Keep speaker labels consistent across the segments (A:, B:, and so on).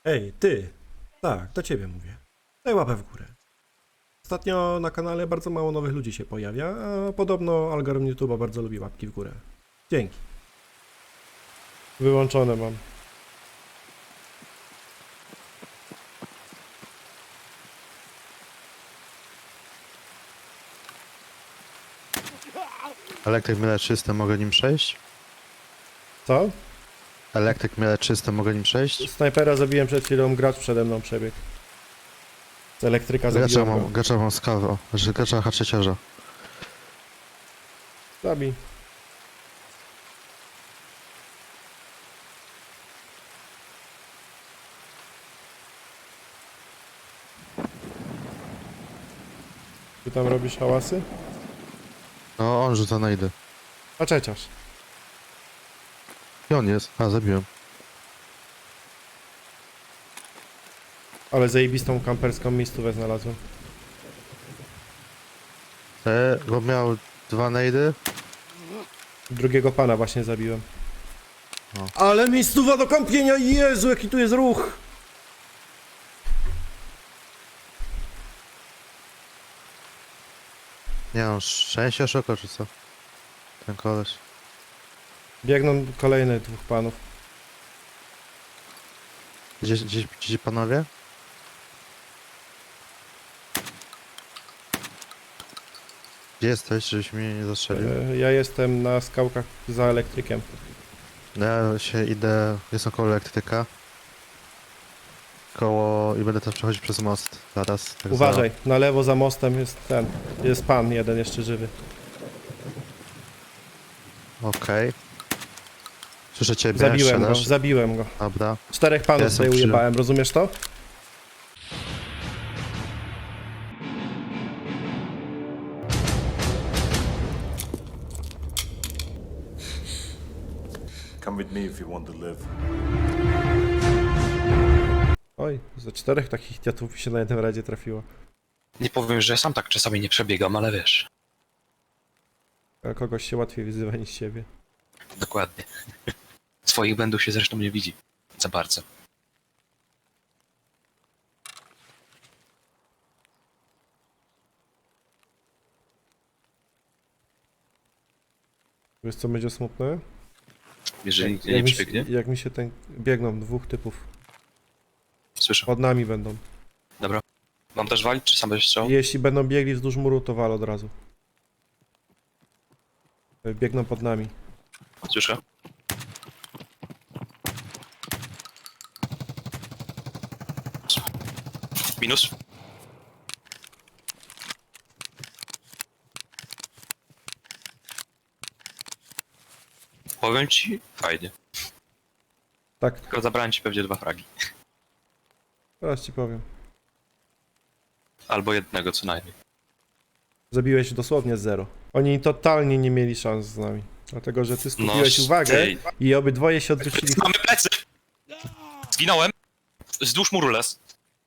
A: Ej, ty! Tak, do ciebie mówię. Daj łapę w górę. Ostatnio na kanale bardzo mało nowych ludzi się pojawia, a podobno algorytm YouTube'a bardzo lubi łapki w górę. Dzięki. Wyłączone mam.
B: Elektryk miele czyste, mogę nim przejść?
A: Co?
B: Elektryk miele czyste, mogę nim przejść?
A: Snajpera zabiłem przed chwilą, gracz przede mną przebiegł. Z elektryka zabiłem go.
B: Gracza mam skawę, że gracza haczyciarza.
A: Zabij. Ty tam robisz hałasy?
B: No, on rzuca najdy.
A: A czeciarz.
B: I on jest. A, zabiłem.
A: Ale zajebistą kamperską miejscówę znalazłem.
B: Bo miał dwa najdy.
A: Drugiego pana właśnie zabiłem.
B: O.
A: Ale miejscowa do kąpienia! Jezu, jaki tu jest ruch!
B: Nie mam szczęścia szoka, czy co? Ten koleś.
A: Biegną kolejne dwóch panów.
B: Gdzie panowie? Gdzie jesteś, żebyś mnie nie zastrzelił?
A: Ja jestem na skałkach za elektrykiem.
B: Ja się idę, jestem koło elektryka. I będę też przechodzić przez most zaraz. Tak
A: Uważaj, na lewo za mostem jest ten. Jest pan jeden jeszcze żywy.
B: Okej. Słyszę ciebie,
A: Zabiłem go,
B: strzelasz.
A: zabiłem go.
B: Dobra.
A: 4 panów
B: Ja jestem
A: tutaj
B: przy-
A: ujebałem, rozumiesz to?
C: Come with me if you want to live.
A: Oj, ze 4 takich idiotów mi się na jednym razie trafiło.
D: Nie powiem, że sam tak czasami nie przebiegam, ale wiesz,
A: A kogoś się łatwiej wyzywa niż siebie.
D: dokładnie. Swoich błędów się zresztą nie widzi za bardzo.
A: Wiesz co będzie smutne?
D: Jeżeli nikt nie
A: jak,
D: przebiegnie,
A: jak mi się ten... Biegną dwóch typów.
D: słyszę.
A: Pod nami będą.
D: Dobra. Mam też walić, czy sam będziesz strzał?
A: Jeśli będą biegli wzdłuż muru, to wal od razu. Biegną pod nami.
D: Słyszę. Minus. Powiem ci, fajnie.
A: Tak,
D: Tylko zabrałem ci pewnie 2 fragi.
A: teraz ci powiem.
D: Albo jednego co najmniej.
A: Zabiłeś dosłownie 0. Oni totalnie nie mieli szans z nami. Dlatego, że ty skupiłeś
D: No,
A: uwagę
D: tej.
A: i obydwoje się odwrócili.
D: Mamy plecy! Zginąłem! Wzdłuż muru les.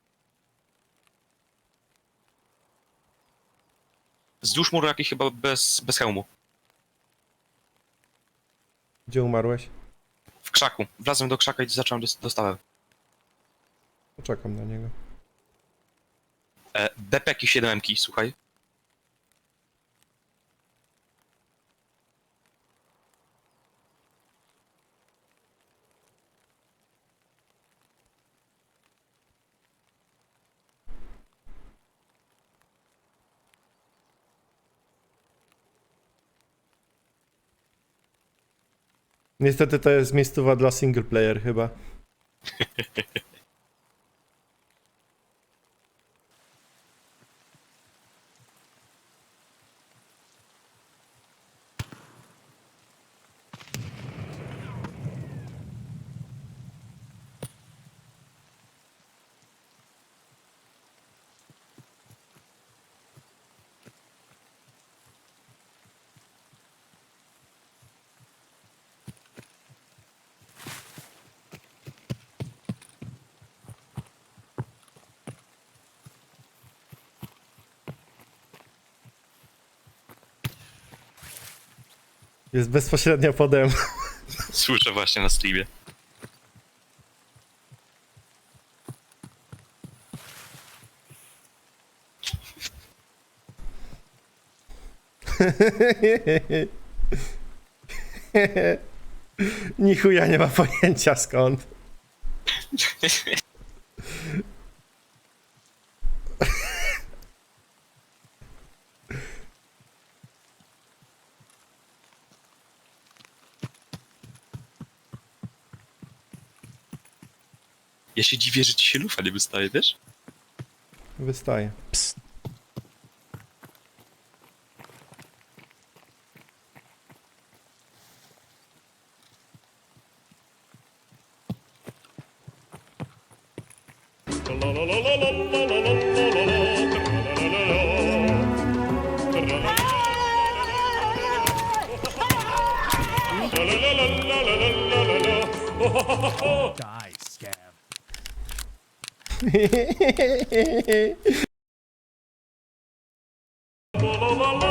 D: Wzdłuż muru jakiś chyba bez hełmu.
A: Gdzie umarłeś?
D: W krzaku. Wlazłem do krzaka i zacząłem dostawę.
A: Poczekam na niego.
D: Bepeki 7-ki, słuchaj.
A: Niestety to jest miejscowa dla single player chyba. Jest bezpośrednio pode mną.
D: Słyszę właśnie na streamie.
A: Ni chuja nie ma pojęcia skąd.
D: Ja się dziwię, że ci się lufa nie wystaje, wiesz?
A: Wystaje. Psst.
E: Die, scab.
A: La la la la